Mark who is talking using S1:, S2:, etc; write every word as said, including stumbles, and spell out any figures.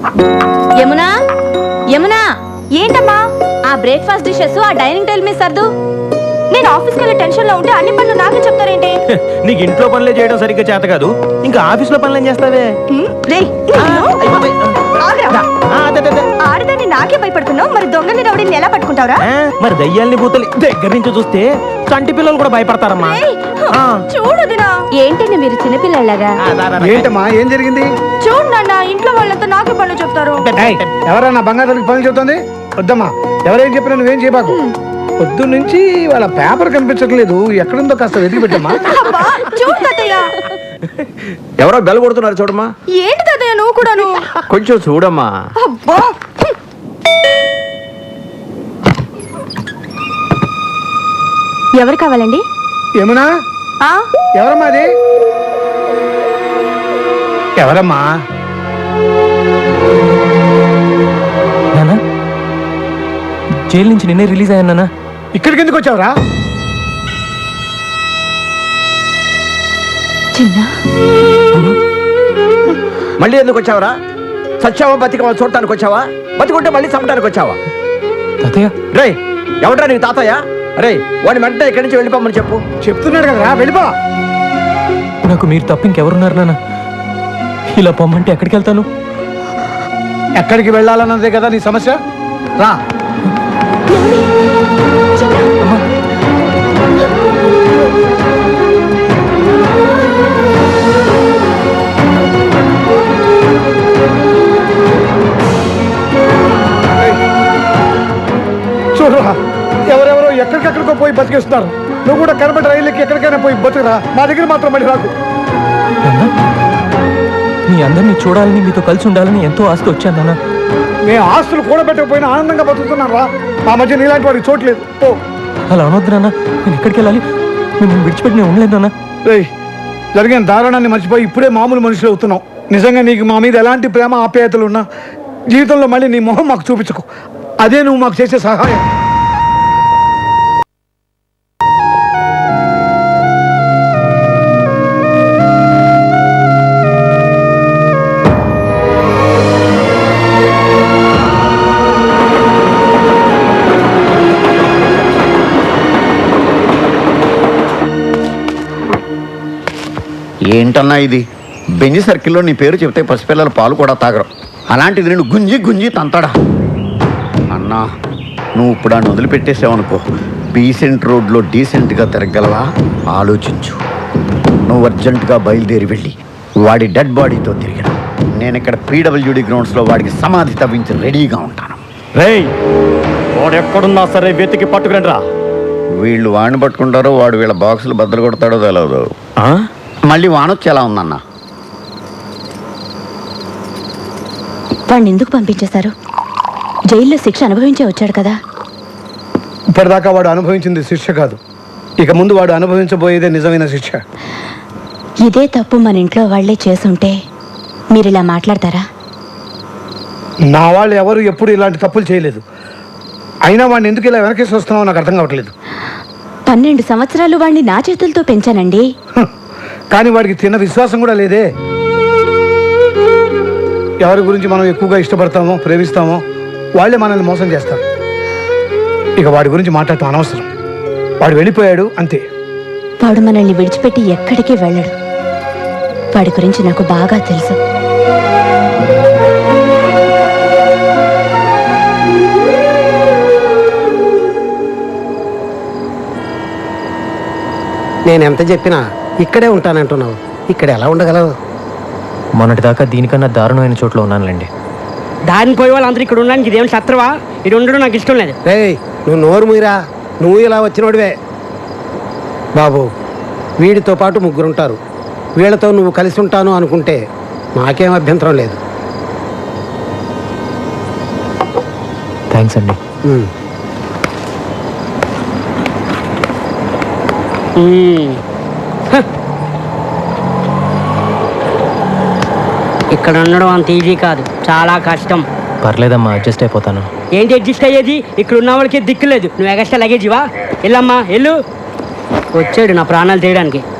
S1: యమునా యమునా
S2: ఏంటమ్మా?
S1: ఆ breakfast dishes ఆ డైనింగ్ టేబుల్ మీద సర్దు.
S2: నేను ఆఫీస్కి వెళ్ళే టెన్షన్ లో ఉంటే అన్ని పనులు నాకే చెప్తారేంటి?
S3: నీకు ఇంట్లో పనులే చేయడం సరిగ్గా చేత కాదు, ఇంకా ఆఫీస్ లో పనులు ఏం చేస్తావే?
S2: ఆడదాన్ని నాకే భయపడుతున్నావు, మరి దొంగని రౌడీని ఎలా పట్టుకుంటావురా?
S3: మరి దయ్యాల్ని భూతల్ని దగ్గర నుంచి చూస్తే చంటి పిల్లలు కూడా భయపడతారమ్మా.
S2: చూడదునా
S1: ఏంటండి మీరు చిన్నపిల్లలాగా?
S4: ఏంటమ్మా, ఏం జరిగింది?
S2: చూడు నాన్న, ఇంట్లో వాళ్ళంతా నాకే పనులు చెప్తారు.
S4: ఎవరన్నా బంగారానికి పనులు చెబుతుంది? వద్దమ్మా, ఎవరేం చెప్పినా నువ్వేం చేయబాకు. పొద్దు నుంచి వాళ్ళ పేపర్ కనిపించట్లేదు, ఎక్కడుందో కాస్త వెతికి పెట్టమ్మా.
S2: చూడు తాతయ్య,
S3: ఎవరో బెల్ కొడుతున్నారు చూడమ్మా.
S2: ఏంటి తాతయ్య నువ్వు కూడాను?
S3: కొంచెం చూడమ్మా.
S2: అబ్బా, ఎవరు కావాలండి?
S4: ఏమన్నా? ఎవరమ్మా అది? ఎవరమ్మా?
S5: నానా, జైలు నుంచి నిన్నే రిలీజ్ అయ్యాను నానా.
S4: ఇక్కడికి ఎందుకు వచ్చావురా?
S2: చిన్న
S3: మళ్ళీ ఎందుకు వచ్చావరా? సచ్చావా బతికవా చూడటానికి వచ్చావా? బతికుంటే మళ్ళీ చంపడానికి వచ్చావా?
S5: తాతయ్య,
S3: రే ఎవడ్రా నీకు తాతయ్య? రే వాడిని వెంటనే ఇక్కడి నుంచి వెళ్ళిపోమని చెప్పు.
S4: చెప్తున్నాడు కదరా, వెళ్ళిపో.
S5: నాకు మీరు తప్ప ఇంకెవరున్నారు నాన్న? ఇలా పొమ్మంటే ఎక్కడికి వెళ్తాను?
S4: ఎక్కడికి వెళ్ళాలన్నదే కదా నీ సమస్య. రా. చూడరా, ఎవరెవరో ఎక్కడికెక్కడికో పోయి బతికేస్తున్నారు. నువ్వు కూడా కనబడి రైలుకి ఎక్కడికైనా పోయి బతుకురా, మా దగ్గర మాత్రం మళ్ళీ రాకు.
S5: మీ అందరినీ చూడాలని, మీతో కలిసి ఉండాలని ఎంతో ఆస్తి వచ్చాను నాన్న.
S4: మేము ఆస్తులు కూడబెట్టకపోయినా ఆనందంగా బతుకుతున్నాం రా. మా మధ్య నీలాంటి వాడికి చోట్లేదు. ఓ
S5: అలా అనొద్దు నాన్న, నేను ఎక్కడికి వెళ్ళాలి? మిమ్మల్ని విడిచిపెట్టి నేను ఉండలేదు నాన్న.
S4: రేయ్, జరిగిన దారుణాన్ని మర్చిపోయి ఇప్పుడే మామూలు మనుషులు అవుతున్నావు. నిజంగా నీకు మా మీద ఎలాంటి ప్రేమ ఆప్యాయతలు ఉన్నా జీవితంలో మళ్ళీ నీ మొహం మాకు చూపించకు. అదే నువ్వు మాకు చేసే సహాయం.
S6: ఏంటన్నా ఇది? బెంజి సర్కిల్లో నీ పేరు చెప్తే పసిపిల్లల పాలు కూడా తాగరు, అలాంటిది నేను గుంజి గుంజి తంతాడా? అన్నా, నువ్వు ఇప్పుడు ఆయన వదిలిపెట్టేసావనుకో, డీసెంట్ రోడ్లో డీసెంట్గా తిరగలవా? ఆలోచించు. నువ్వు అర్జెంటుగా బయలుదేరి వెళ్ళి వాడి డెడ్ బాడీతో తిరిగిన నేను ఇక్కడ పీడబ్ల్యూడి గ్రౌండ్స్లో వాడికి సమాధి తవ్వించి రెడీగా ఉంటాను.
S3: రేయ్, వాడు ఎక్కడున్నా సరే వెతికి పట్టుకురండి రా.
S6: వీళ్ళు వాడిని పట్టుకుంటారో వాడు వీళ్ళ బాక్సులు బద్దలు కొడతాడో తెలియదు. మళ్ళీ వానొచ్చి ఎలా ఉందన్నా?
S1: వాడిని ఎందుకు పంపించేశారు? జైల్లో శిక్ష అనుభవించే వచ్చాడు కదా.
S4: ఇప్పటిదాకా వాడు అనుభవించింది శిక్ష కాదు, ఇక ముందు వాడు అనుభవించబోయేదే నిజమైన శిక్ష.
S1: ఇదే తప్పు మన ఇంట్లో వాళ్లే చేసుంటే మీరు ఇలా మాట్లాడతారా?
S4: నా వాళ్ళు ఎవరు ఎప్పుడు ఇలాంటి తప్పులు చేయలేదు. అయినా వాడిని ఎందుకు ఇలా వెనకేసి వస్తున్నావో నాకు అర్థం కావట్లేదు.
S1: పన్నెండు సంవత్సరాలు వాడిని నా చేతులతో పెంచానండి.
S4: కానీ వాడికి తిన్న విశ్వాసం కూడా లేదే. ఎవరి గురించి మనం ఎక్కువగా ఇష్టపడతామో ప్రేమిస్తామో వాళ్ళే మనల్ని మోసం చేస్తారు. ఇక వాడి గురించి మాట్లాడటం అనవసరం. వాడు వెళ్ళిపోయాడు అంతే.
S1: వాడు మనల్ని విడిచిపెట్టి ఎక్కడికి వెళ్ళడు. వాడి గురించి నాకు బాగా తెలుసు.
S7: నేను ఎంత చెప్పినా ఇక్కడే ఉంటానంటున్నావు, ఇక్కడ ఎలా ఉండగలవు?
S5: మొన్నటిదాకా దీనికన్నా దారుణమైన చోట్ల ఉన్నానులేండి.
S8: దారిని పోయే వాళ్ళందరూ ఇక్కడ ఉండడానికి ఇదేం శత్రువా? ఇది ఉండడం నాకు ఇష్టం లేదు.
S7: రేయ్, నువ్వు నోరు మీరా, నువ్వు ఇలా వచ్చినోడివే. బాబు, వీడితో పాటు ముగ్గురుంటారు. వీళ్ళతో నువ్వు కలిసి ఉంటాను అనుకుంటే నాకేం అభ్యంతరం లేదు.
S5: థ్యాంక్స్ అండి.
S8: ఇక్కడ ఉండడం అంత ఈజీ కాదు, చాలా కష్టం.
S5: పర్లేదమ్మా, అడ్జస్ట్ అయిపోతాను.
S8: ఏంటి అడ్జస్ట్ అయ్యేది? ఇక్కడ ఉన్న వాళ్ళకి దిక్కు లేదు, నువ్వు ఎగస్ట్రా లగేజ్ ఇవా? వెళ్ళమ్మా వెళ్ళు. వచ్చాడు నా ప్రాణాలు తీయడానికి.